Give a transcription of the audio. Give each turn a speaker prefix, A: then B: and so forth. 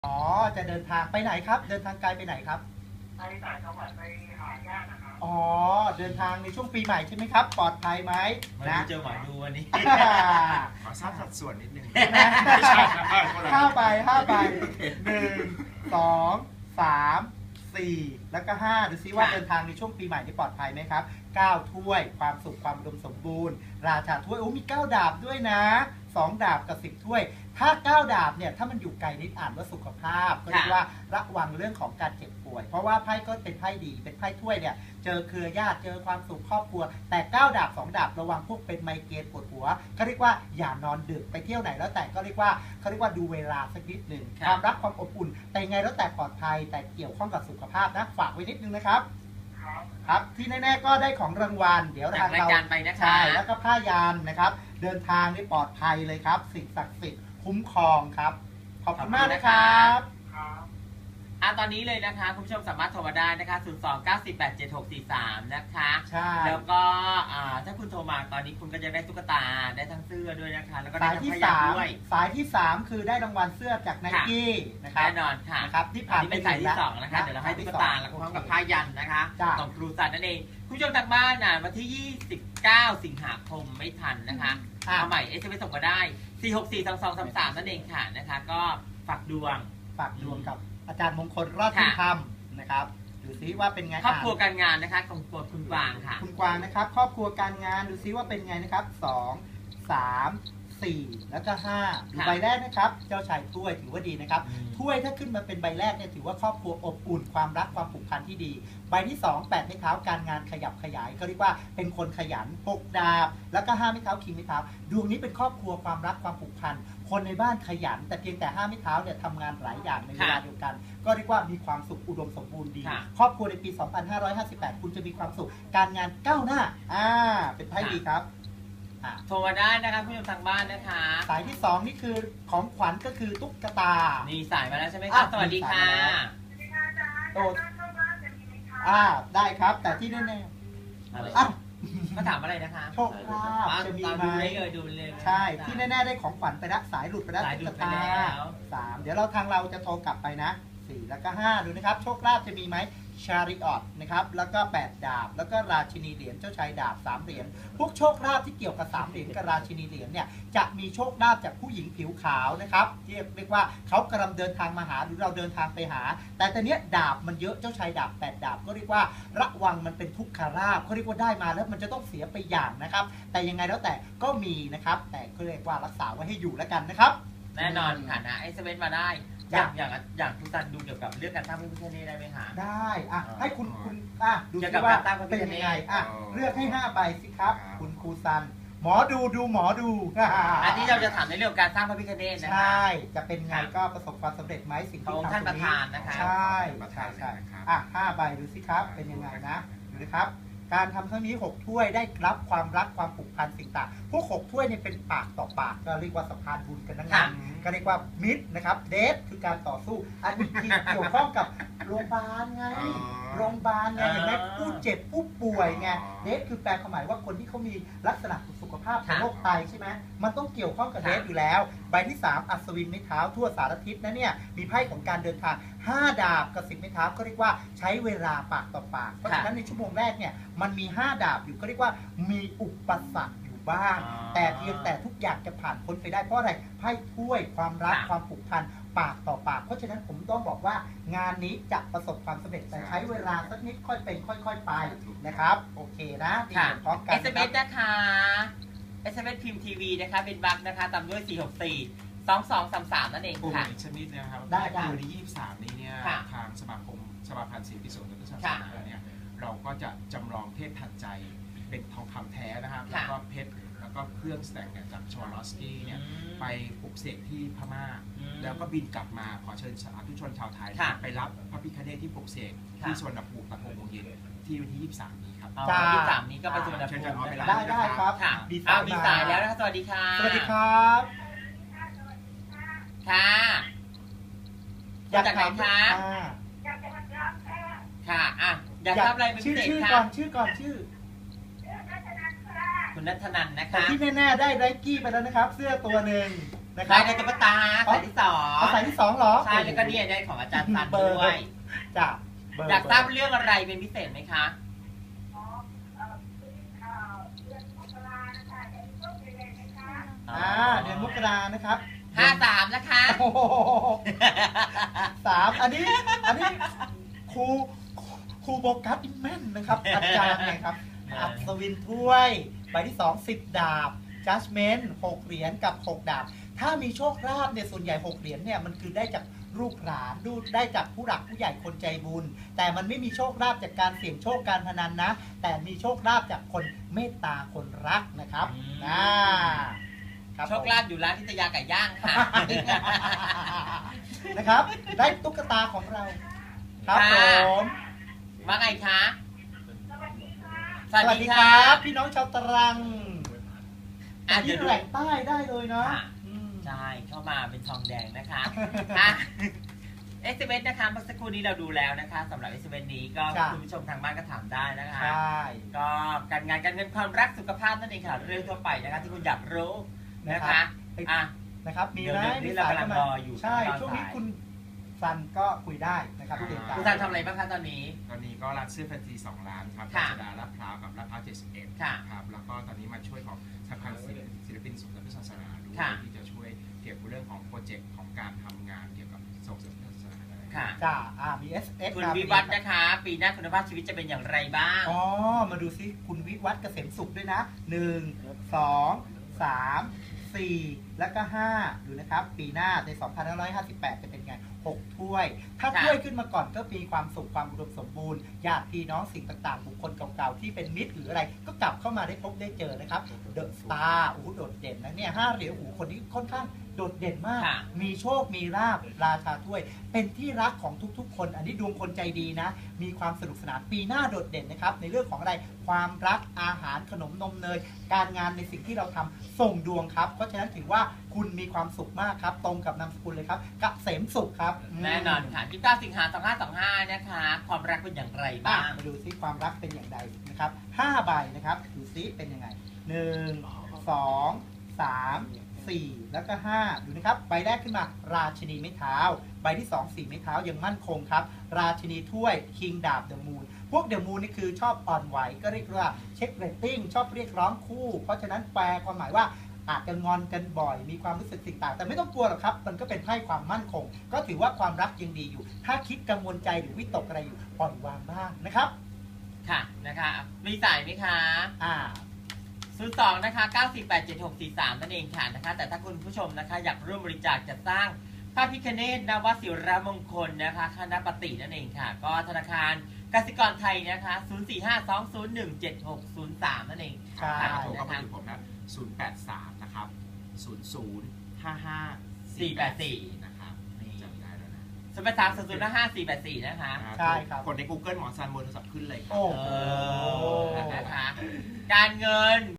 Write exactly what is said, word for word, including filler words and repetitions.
A: อ๋อจะเดินทางไปไหนครับเดินทางไกลไปไหนครับ
B: ไปต่างจังหวัดไปหาญาตินะครับ
A: อ๋อเดินทางในช่วงปีใหม่ใช่ไหมครับปลอดภัยไหม
C: นะเจอหมอดูวันนี้
D: ขอทราบสัดส่วนนิดนึง
A: ห้าใบห้าใบหนึ่งสองสามสี่แล้วก็ห้าดูซิว่าเดินทางในช่วงปีใหม่นี้ปลอดภัยไหมครับเก้าถ้วยความสุขความอุดมสมบูรณ์ราชาถ้วยโอ้มีเก้าดาบด้วยนะสองดาบกับสิบถ้วยถ้าเก้าดาบเนี่ยถ้ามันอยู่ไกลนิดอ่านว่าสุขภาพก็เรียกว่าระวังเรื่องของการเจ็บป่วยเพราะว่าไพ่ก็เป็นไพ่ดีเป็นไพ่ถ้วยเนี่ยเจอเครือญาติเจอความสุขครอบครัวแต่เก้าดาบสองดาบระวังพวกเป็นไมเกรนปวดหัวก็เรียกว่าอย่านอนดึกไปเที่ยวไหนแล้วแต่ก็เรียกว่าเขาเรียกว่าดูเวลาสักนิดหนึ่งความรักความอบอุ่นแต่ไงแล้วแต่ปลอดภัยแต่เกี่ยวข้องกับสุขภาพนะฝากไว้นิดนึงนะครับครับที่แน่ๆก็ได้ของรางวัลเดี๋ยวทางเราใช่แล้วก็ผ้ายันนะครับเดินทางได้ปลอดภัยเลยครับสิ่งศักดิ์สิทธิ์คุ้มครองครับขอบคุณมากนะครับ
C: อ่ะตอนนี้เลยนะคะคุณผู้ชมสามารถโทรมาได้นะคะศูนย์ สอง เก้า สี่ แปด เจ็ด หก สี่ สามนะคะ
A: ใช่
C: แล้วก็ถ้าคุณโทรมาตอนนี้คุณก็จะได้ตุ๊กตาได้ทั้งเสื้อด้วยนะคะแล้วก็ได้ทั้งพยานด้วย
A: สายที่สามคือได้รางวัลเสื้อจากไนกี้นะครับ
C: แน่นอนค่ะ
A: นะครับที่ผ่าน
C: เป็นสายที่สองนะคะเดี๋ยวเราให้ตุ๊กตาแล้วพร้อมกับพยันนะคะของครูสันนั่นเองคุณผู้ชมทางบ้านนะวันที่ยี่สิบเก้าสิงหาคมไม่ทันนะคะเอาใหม่เอสเอ็มเอสส่งมาได้สี่หกสี่ สอง สอง สาม สามนั่นเองค่ะนะคะก็ฝากดวง
A: ฝากดวงกับอาจารย์มงคลรอดที่ทำนะครับดูซิว่าเป็นไง
C: ครอบครัวการงานนะคะของตัวคุณกวางค่ะ
A: คุณกวางนะครับครอบครัวการงานดูซิว่าเป็นไงนะครับสองสามสี่แล้วก็ห้าใบแรกนะครับเจ้าชายถ้วยถือว่าดีนะครับถ้วยถ้าขึ้นมาเป็นใบแรกเนี่ยถือว่าครอบครัวอบอุ่นความรักความผูกพันที่ดีใบที่สองแปดไม้เท้าการงานขยับขยายก็เรียกว่าเป็นคนขยันหกดาบแล้วก็ห้าไม้เท้าคิงไม้เท้าดวงนี้เป็นครอบครัวความรักความผูกพันคนในบ้านขยันแต่เพียงแต่ห้าไม้เท้าเนี่ยทำงานหลายอย่างในเวลาเดียวกันก็เรียกว่ามีความสุขอุดมสมบูรณ์ดีครอบครัวในปีสองพันห้าร้อยห้าสิบแปดคุณจะมีความสุขการงานก้าวหน้าอ่าเป็นไพ่ดีครับ
C: โทรมาได้นะคะผู้ชมทางบ้านนะคะ
A: สายที่สองนี่คือของขวัญก็คือตุ๊กตา
C: นี่สายมาแล้วใช่ไหมคะสวัสดีค่ะ
A: โอ้อ่าได้ครับแต่ที่แน่ๆอ่ะ
C: มาถามอะไรนะคะ
A: โชคลาภจะมีไหม
C: ดูเลย
A: ใช่ที่แน่ๆได้ของขวัญไปละสายหลุดไปแล้วตุ๊กตาสามเดี๋ยวเราทางเราจะโทรกลับไปนะสี่แล้วก็ห้าดูนะครับโชคลาภจะมีไหมชาริออตนะครับแล้วก็แปดดาบแล้วก็ราชินีเหรียญเจ้าชายดาบสามเหรียญพวกโชคลาภที่เกี่ยวกับสามเหรียญกับราชินีเหรียญเนี่ยจะมีโชคลาภจากผู้หญิงผิวขาวนะครับที่เรียกว่าเขากำลังเดินทางมาหาหรือเราเดินทางไปหาแต่ตอนนี้ดาบมันเยอะเจ้าชายดาบแปดดาบก็เรียกว่าระวังมันเป็นทุกขลาภเขาเรียกว่าได้มาแล้วมันจะต้องเสียไปอย่างนะครับแต่ยังไงแล้วแต่ก็มีนะครับแต่ก็เรียกว่ารักษาไว้ให้อยู่แล้วกันนะครับ
C: แน่นอนค่ะนะไอเซเว่นมาได้อย่างอย่างอย่างทุกท่านดูเกี่ยวกับเรื่องการตั้งพระพิฆเนศได้ไหมคะ
A: ได้อ่ะให้คุณคุณอ่ะดูซิว่าเป็นยังไงอ่ะเลือกให้ห้าใบสิครับคุณครูซันหมอดูดูหมอดู
C: อันนี้เราจะถามในเรื่องการสร้างพระพิฆเนศนะ
A: ใช่จะเป็นไงก็ประสบความสำเร็จไหมสิ่งที่
C: ท่านประธานนะคะ
A: ใช่ใช่ใช่อ่ะห้าใบดูสิครับเป็นยังไงนะดูนะครับการทำครั้งนี้หกถ้วยได้รับความรักความผูกพันสิ่งต่างพวกหกถ้วยเนี่ยเป็นปากต่อปากก็เรียกว่าสะพานบุญกันทั้งนั้นก็เรียกว่ามิตรนะครับเดทคือการต่อสู้อันนี้เกี่ยวข้องกับโรงพยาบาลไงโรงพยาบาลไงเห็นไหมผู้เจ็บผู้ป่วยไงเดทคือแปลความหมายว่าคนที่เขามีลักษณะสุขภาพของโรคไตใช่ไหมมันต้องเกี่ยวข้องกับเดทอยู่แล้วใบที่สามอัศวินไม้เท้าทั่วสารทิศนะเนี่ยมีไพ่ของการเดินทางห้าดาบกับสิบไม้เท้าก็เรียกว่าใช้เวลาปากต่อปากเพราะฉะนั้นในชั่วโมงแรกเนี่ยมันมีห้าดาบอยู่ก็เรียกว่ามีอุปสรรคอยู่บ้างแต่เพียงแต่ทุกอย่างจะผ่านพ้นไปได้เพราะอะไรไพ่ถ้วยความรักความผูกพันปากต่อปากเพราะฉะนั้นผมต้องบอกว่างานนี้จะประสบความสำเร็จแต่ใช้เวลาสักนิดค่อยเป็นค่อยๆไปนะครับโอเคนะที่พร้อมกัน
C: เอส เอ็ม เอส นะคะ เอส เอ็ม เอส พิมพ์ทีวีนะคะเป็นบัคนะคะตามด้วยสี่หกสี่ สองสองสามสามนั่นเองค่ะ
D: ชนิดนะครับ
A: ได้
D: ในวันที่ยี่สิบสามนี้เนี่ยทางสมาคมสมาพันธ์ศิลปิโสดและศาสนาเนี่ยเราก็จะจำลองเทพทันใจเป็นทองคำแท้นะครับแล้วก็เพชรแล้วก็เครื่องแต่งเนี่ยจากชวาลอสกี้เนี่ยไปปลุกเสกที่พม่าแล้วก็บินกลับมาขอเชิญสาธุชนชาวไทยไปรับพระพิฆเนศที่ปลุกเสกที่สุวรรณภูมิตะโกโมงเย็นที่วันที่ยี่สิบสามนี้ครับ
C: ยี่สิบสามนี้ก็ไปสุวรรณภูมิ
A: ได้ได้ครับ
C: ดีสายดีสายแล้วนะคะสวัสดีค่ะ
A: สวัสดีครับ
C: ค่ะอยากจากไหนคะค่ะอ่ะอยากทราบอะไรเป็นพิเศษ
A: คะชื่อก่อนชื่อก่อนชื่อ
C: คุณนัทนันนะคะ
A: แต่ที่แน่ๆได้ไรกี้ไปแล้วนะครับเสื้อตัวหนึ่งนะค
C: ได้
A: รับ
C: ในตุ๊กตาสายที่สอง
A: เอาสายที่สองเหรอ
C: ใช่แล้วก็เนี่ยได้ของอาจารย์ซัน
A: เบอร์
C: ด้วย
A: จ้ะเบร์
C: อยากทราบเรื่องอะไรเป็นพิเศษไหมคะ
B: อ๋อเอ่อคือเอ่อเดือนมกรานะคะเอ็นก็เป็นเลยนะคะ
A: อ่าเดือนมกรานะครับ
C: ห้าสามนะคะ
A: โอ้โหสามอันนี้อันนี้ครูครูโบกัสอินแม่นนะครับ อาจารย์ไงครับ อัศวินถ้วยใบที่สองสิบดาบ Judgment หกเหรียญกับหกดาบ ถ้ามีโชคลาภเนี่ยส่วนใหญ่หกเหรียญเนี่ยมันคือได้จากลูกหลานดูได้จากผู้หลักผู้ใหญ่คนใจบุญ แต่มันไม่มีโชคลาภจากการเสี่ยงโชคการพนันนะ แต่มีโชคลาภจากคนเมตตาคนรักนะครับ
C: อืม
A: อ่ารับ
C: โชคลาภอยู่ร้านทิตยาไก่ย่างค่ะ
A: นะครับ ได้ตุ๊กตาของเรา ครับ
C: ค่ะ
A: ผม
C: ว่าไงคะ
B: สวัสดีค่ะ
C: ส
A: ส
C: วั
A: วั
C: ส
A: ส
C: ดี
A: ดี
C: ค
A: ค
C: รั
A: รับ บ พี่น้องชาวตรัง
C: อ่ะ
A: ที่
C: เดี๋ยวดู
A: แหล่งใต้ได้เลยเนาะ
C: ค่ะ
A: อืม
C: ใช่เข้ามาเป็นทองแดงนะคะอ่ะเอสเอ็มเอสนะคะเมื่อสักครู่นี้เราดูแล้วนะคะสำหรับเอสเอ็มเอสนี้ก็
A: จ้ะ
C: คุณผู้ชมทางบ้านก็ถามได้นะคะ
A: ใช่
C: ก็การงานการเงินความรักสุขภาพนั่นเองค่ะเรื่องทั่วไปนะคะที่คุณอยากรู้นะคะอ่ะ
A: นะครับ มีไหม
C: เดี๋ยวๆนี่
A: มี
C: เรา
A: สาย
C: กำลัง
A: เข้ามาร
C: ออยู่
A: ใช่
C: ตอน
A: ช่วงนี้
C: สาย
A: คุณซันก็คุยได้นะครับเตรียมการ
C: คุณซันทำอะไรบ้างคะตอนนี้
D: ตอนนี้ก็ร้านเสื้อแฟนซีสองร้านครับ
C: ค่ะ
D: รัชดาลาดพร้าวกับลาดพร้าวเจ็ดสิบเอ็ด
C: ค่ะ
D: ครับแล้วก็ตอนนี้มาช่วยของสถาบันศิลปินสมเด็จพระศาสนาด้วย
C: ค่ะ
D: ที่จะช่วยเกี่ยวกับเรื่องของโปรเจกต์ของการทำงานเกี่ยวกับส่งเสริมพระศาสนาอะไร
C: ค่ะ
A: จ้าอ่ามี เอส เอส
C: คุณวิวัฒน์นะคะ ปีหน้าคุณภาพชีวิตจะเป็นอย่างไรบ้าง
A: อ๋อ มาดูซิคุณวิวัฒน์เกษมสุขด้วยนะหนึ่งสองสามสี่แล้วก็ห้าดูนะครับ ปีหน้าในสองพันห้าร้อยห้าสิบแปดจะเป็นไงหกถ้วย ถ้า
C: ค่ะ
A: ถ้วยขึ้นมาก่อนก็มีความสุขความอุดมสมบูรณ์ญาติพี่น้องสิ่งต่างๆ บุคคลเก่าๆ ที่เป็นมิตรหรืออะไร ก็กลับเข้ามาได้พบได้เจอนะครับเดอะสตาร์โอ้โหโดดเด่นนะเนี่ยห้าเหรียญโอ้โหคนนี้ค่อนข้างโดดเด่นมาก
C: ค่ะ
A: มีโชคมีลาบราชาถ้วย เป็นที่รักของทุกๆ คน อันนี้ดวงคนใจดีนะ มีความสนุกสนานปีหน้าโดดเด่นนะครับ ในเรื่องของอะไรความรักอาหารขนมนมเนย การงานในสิ่งที่เราทำส่งดวงครับ เพราะฉะนั้นถือว่าคุณมีความสุขมากครับ ตรงกับนามสกุลเลยครับเกษมสุขครับม
C: แน่นอนค่ะที่เก้าสิงหาสองห้าสองห้านะคะ ความรักเป็นอย่างไร
A: อ่ะ
C: บ้าง
A: มาดูซิความรักเป็นอย่างไรนะครับห้าใบนะครับดูซิเป็นยังไงหนึ่งสองสามสี่แล้วก็ห้าดูนะครับใบแรกขึ้นมาราชินีไม้เท้า ใบที่สองสี่ไม้เท้ายังมั่นคงครับ ราชินีถ้วยคิงดาบเดอะมูนพวกเดอะมูนนี่คือชอบอ่อนไหวก็เรียกว่าเช็คเรตติ้งชอบเรียกร้องคู่ เพราะฉะนั้นแปลความหมายว่าอาจจะงอนกันบ่อย มีความรู้สึกสิ่งต่างแต่ไม่ต้องกลัวหรอกครับ มันก็เป็นไพ่ความมั่นคง ก็ถือว่าความรักยังดีอยู่ ถ้าคิดกังวลใจหรือวิตกอะไรอยู่ปล่อยวางบ้างนะครับ
C: ค่ะนะคะ มีสายไหมคะ
A: อ่า
C: ศูนย์สองนะคะเก้าสี่แปดเจ็ดหกสี่สามนั่นเองค่ะนะคะ แต่ถ้าคุณผู้ชมนะคะอยากร่วมบริจาคจัดสร้างพระพิฆเนศนวศิรมงคลนะคะคณะปฏินั่นเองค่ะ ก็ธนาคารกสิกรไทยนะคะศูนย์ สี่ ห้า สอง ศูนย์ หนึ่ง เจ็ด หก ศูนย์ สามนั่นเอง
A: ใช่
C: ค่ะ
D: โทรเข้ามาถึงผมนะศูนย์แปดสามนะครับศูนย์ศูนย์ห้าห้า
C: สี่แปดสี่
D: นะครับจำได้แล้วนะ
C: สมัยสามศูนย์ห้าสี่แปดสี่นะคะ
A: ใช่ครับ
D: กดใน Google หมอซันบนโทรศัพท์ขึ้นเลยครั
A: โอ้
C: เอ
A: โห
C: อนะคะ การเงิน